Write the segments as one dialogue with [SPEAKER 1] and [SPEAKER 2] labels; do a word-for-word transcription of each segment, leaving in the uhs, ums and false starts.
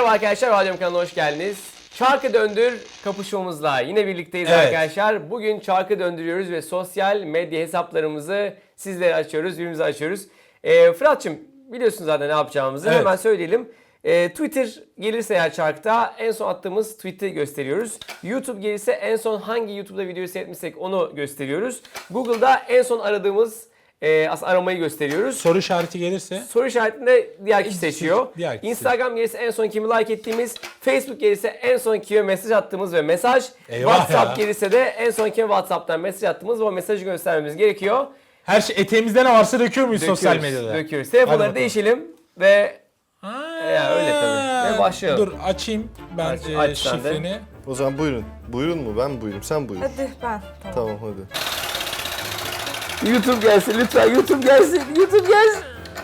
[SPEAKER 1] Merhaba arkadaşlar, Radyom kanalına hoş geldiniz. Çarkı Döndür kapışmamızla yine birlikteyiz evet. arkadaşlar. Bugün çarkı döndürüyoruz ve sosyal medya hesaplarımızı sizlere açıyoruz, birbirimize açıyoruz. Ee, Fırat'cığım biliyorsun zaten ne yapacağımızı, evet. hemen söyleyelim. Ee, Twitter gelirse eğer çarkta en son attığımız tweet'i gösteriyoruz. YouTube gelirse en son hangi YouTube'da videoyu seyretmişsek onu gösteriyoruz. Google'da en son aradığımız E, aslında aramayı gösteriyoruz.
[SPEAKER 2] Soru işareti gelirse?
[SPEAKER 1] Soru işaretinde diğer kişi seçiyor.
[SPEAKER 2] Diğer kişi.
[SPEAKER 1] Instagram gelirse en son kimi like ettiğimiz, Facebook gelirse en son kime mesaj attığımız ve mesaj, Eyvah WhatsApp ya. gelirse de en son kime WhatsApp'tan mesaj attığımız ve o mesajı göstermemiz gerekiyor.
[SPEAKER 2] Her şey eteğimizde ne varsa döküyor muyuz
[SPEAKER 1] döküyoruz,
[SPEAKER 2] sosyal medyada?
[SPEAKER 1] Döküyoruz. Telefonları değişelim ve
[SPEAKER 2] Ha,
[SPEAKER 1] ya öyle tabii. Ve başlayalım.
[SPEAKER 2] Dur açayım ben
[SPEAKER 1] Aç,
[SPEAKER 2] e,
[SPEAKER 1] aç
[SPEAKER 2] şifreni.
[SPEAKER 3] O zaman buyurun. Buyurun mu? Ben buyurun. Sen buyur.
[SPEAKER 4] Hadi ben. Tamam.
[SPEAKER 3] Tamam hadi.
[SPEAKER 1] YouTube gelsin lütfen. YouTube gelsin. YouTube gelsin.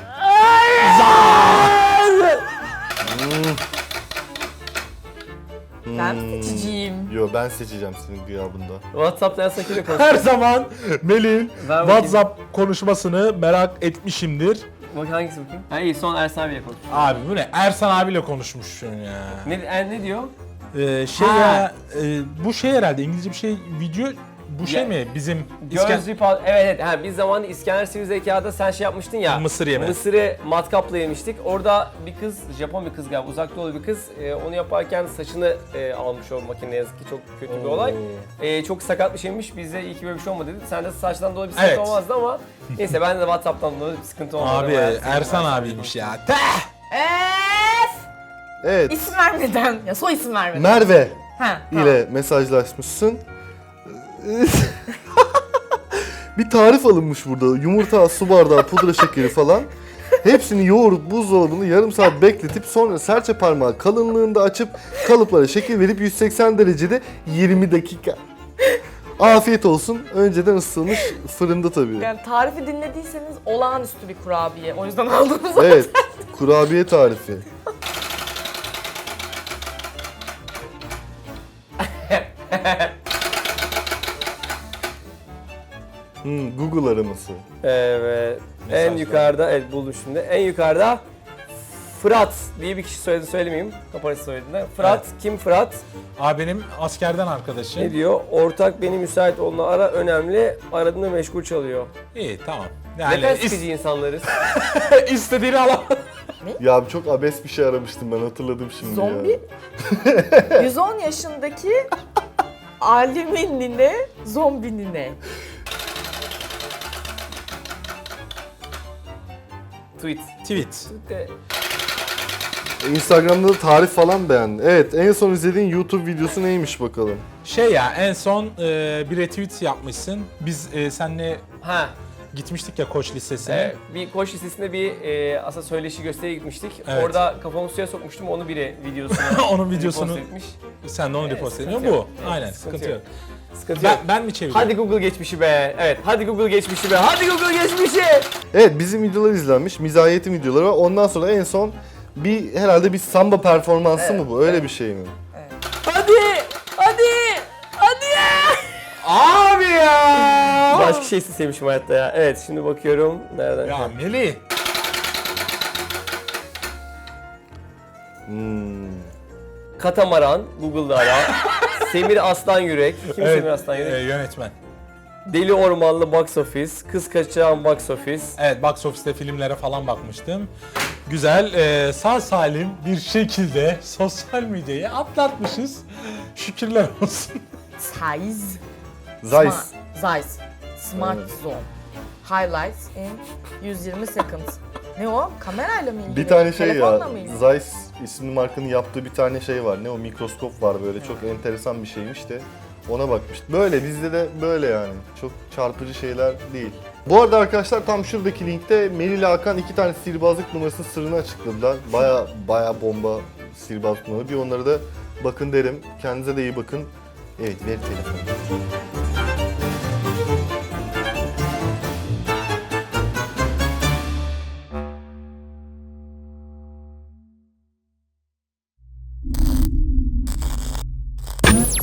[SPEAKER 3] Hmm.
[SPEAKER 4] Ben mi seçeceğim?
[SPEAKER 3] Yo ben seçeceğim senin gıyabında.
[SPEAKER 1] WhatsApp'tan sakiyle konuş.
[SPEAKER 2] Her zaman Melih'in
[SPEAKER 1] Ben
[SPEAKER 2] WhatsApp konuşmasını merak etmişimdir.
[SPEAKER 1] Bak hangisi bakayım? Ha iyi, son Ersan abiyle konuş.
[SPEAKER 2] Abi bu ne? Ersan abiyle konuşmuşsun ya.
[SPEAKER 1] Ne, er, ne diyor?
[SPEAKER 2] Ee, şey
[SPEAKER 1] Ha.
[SPEAKER 2] ya, e, bu şey herhalde İngilizce bir şey video, bu şey
[SPEAKER 1] Ya,
[SPEAKER 2] mi? Bizim
[SPEAKER 1] Göz repal, evet evet. Ha, biz zamanında İskender Sivri Zekâ'da sen şey yapmıştın ya.
[SPEAKER 2] Mısır yeme.
[SPEAKER 1] Mısırı matkapla yemiştik. Orada bir kız, Japon bir kız galiba, uzak doğulu bir kız. E, onu yaparken saçını e, almış o makine, ne yazık ki çok kötü bir olay. E, çok sakat bir şeymiş. Bize iyi ki böyle bir şey olmadı dedi. Sende saçtan dolayı bir sıkıntı
[SPEAKER 2] Evet.
[SPEAKER 1] olmazdı ama neyse ben de WhatsApp'tan dolayı bir sıkıntı olmadı.
[SPEAKER 2] Abi
[SPEAKER 1] Bayağı
[SPEAKER 2] Ersan abiymiş ya. Teh!
[SPEAKER 4] Eeeef!
[SPEAKER 3] Evet.
[SPEAKER 4] İsim vermeden, ya soy isim vermeden.
[SPEAKER 3] Merve
[SPEAKER 4] ha, tamam.
[SPEAKER 3] ile mesajlaşmışsın. Bir tarif alınmış burada. Yumurta, su bardağı, pudra şekeri falan. Hepsini yoğurup buzdolabında yarım saat bekletip sonra serçe parmağı kalınlığında açıp kalıplara şekil verip yüz seksen derecede yirmi dakika. Afiyet olsun. Önceden ısıtılmış fırında tabii.
[SPEAKER 4] Yani tarifi dinlediyseniz olağanüstü bir kurabiye. O yüzden aldığımız zaten.
[SPEAKER 3] Evet. Kurabiye tarifi. Hmm, Google araması.
[SPEAKER 1] Evet.
[SPEAKER 2] Mesajlar.
[SPEAKER 1] En yukarıda, evet buldum şimdi. En yukarıda Fırat diye bir kişi söyledi, söylemeyeyim. Kaparası söylediğinde. Fırat,
[SPEAKER 2] Evet.
[SPEAKER 1] kim Fırat?
[SPEAKER 2] Abi benim askerden arkadaşım.
[SPEAKER 1] Ne diyor? Ortak beni müsait olduğunu ara, önemli. Aradığında meşgul çalıyor.
[SPEAKER 2] İyi tamam.
[SPEAKER 1] Ne kadar
[SPEAKER 2] Yani
[SPEAKER 1] sıkıcı insanlarız.
[SPEAKER 2] is- istediğini al.
[SPEAKER 3] Ya çok abes bir şey aramıştım ben, hatırladım şimdi
[SPEAKER 4] Zombi.
[SPEAKER 3] ya.
[SPEAKER 4] yüz on yaşındaki alimin nine, zombi nine.
[SPEAKER 1] Tweet.
[SPEAKER 2] Tweet.
[SPEAKER 1] De,
[SPEAKER 3] Instagram'da da tarif falan beğendi. Evet, en son izlediğin YouTube videosu neymiş bakalım?
[SPEAKER 2] Şey ya en son e, bir retweet yapmışsın. Biz e, seninle
[SPEAKER 1] ha.
[SPEAKER 2] gitmiştik ya Koç Lisesi'ne.
[SPEAKER 1] E, bir koç listesinde bir e, aslında söyleşi gösteriye gitmiştik.
[SPEAKER 2] Evet.
[SPEAKER 1] Orada kafamı suya sokmuştum. Onu biri videosunu
[SPEAKER 2] Onun videosunu
[SPEAKER 1] repost etmiş.
[SPEAKER 2] sen de onu
[SPEAKER 1] Evet,
[SPEAKER 2] repost
[SPEAKER 1] sıkıntı
[SPEAKER 2] ediyorsun. Bu.
[SPEAKER 1] yok. Evet,
[SPEAKER 2] Aynen
[SPEAKER 1] sıkıntı
[SPEAKER 2] sıkıntı
[SPEAKER 1] yok.
[SPEAKER 2] yok.
[SPEAKER 1] Sıkıntı
[SPEAKER 2] Ben,
[SPEAKER 1] yok.
[SPEAKER 2] ben mi çeviriyorum?
[SPEAKER 1] Hadi Google geçmişi be. Evet, hadi Google geçmişi be. Hadi Google geçmişi.
[SPEAKER 3] Evet, bizim videolar izlenmiş, mizahiyetin videoları var. Ondan sonra en son bir herhalde bir samba performansı
[SPEAKER 1] Evet,
[SPEAKER 3] mı bu? Öyle
[SPEAKER 1] evet.
[SPEAKER 3] bir şey mi?
[SPEAKER 1] Hadi! Hadi! Hadi ya!
[SPEAKER 2] Abi ya!
[SPEAKER 1] Başka şey isteseymişim hayatta ya. Evet, şimdi bakıyorum. Nereden?
[SPEAKER 2] Ya Melih.
[SPEAKER 3] Hmm.
[SPEAKER 1] Katamaran, Google'da ara. Semir Aslan Yürek. Kim
[SPEAKER 2] Evet,
[SPEAKER 1] Semir Aslan Yürek?
[SPEAKER 2] e, yönetmen.
[SPEAKER 1] Deli Ormanlı Box Office. Kız Kaçıran Box Office.
[SPEAKER 2] Evet, box office'te filmlere falan bakmıştım. Güzel, e, sağ salim bir şekilde sosyal medyayı atlatmışız. Şükürler olsun.
[SPEAKER 4] Size.
[SPEAKER 3] Zeiss.
[SPEAKER 4] Zeiss. Smart Zoom. Highlights in yüz yirmi seconds. Ne o? Kamerayla mı ilgili?
[SPEAKER 3] Bir tane şey
[SPEAKER 4] Telefonla
[SPEAKER 3] ya,
[SPEAKER 4] mı ilgili?
[SPEAKER 3] Zeiss isimli markanın yaptığı bir tane şey var. Ne o, mikroskop var böyle, çok enteresan bir şeymiş de ona bakmıştım. Böyle, bizde de böyle yani. Çok çarpıcı şeyler değil. Bu arada arkadaşlar tam şuradaki linkte Melih ile Hakan iki tane sihirbazlık numarasının sırrını açıkladılar. Baya baya bomba sihirbazlık numaraları. Bir onları da bakın derim. Kendinize de iyi bakın. Evet, ver telefonu.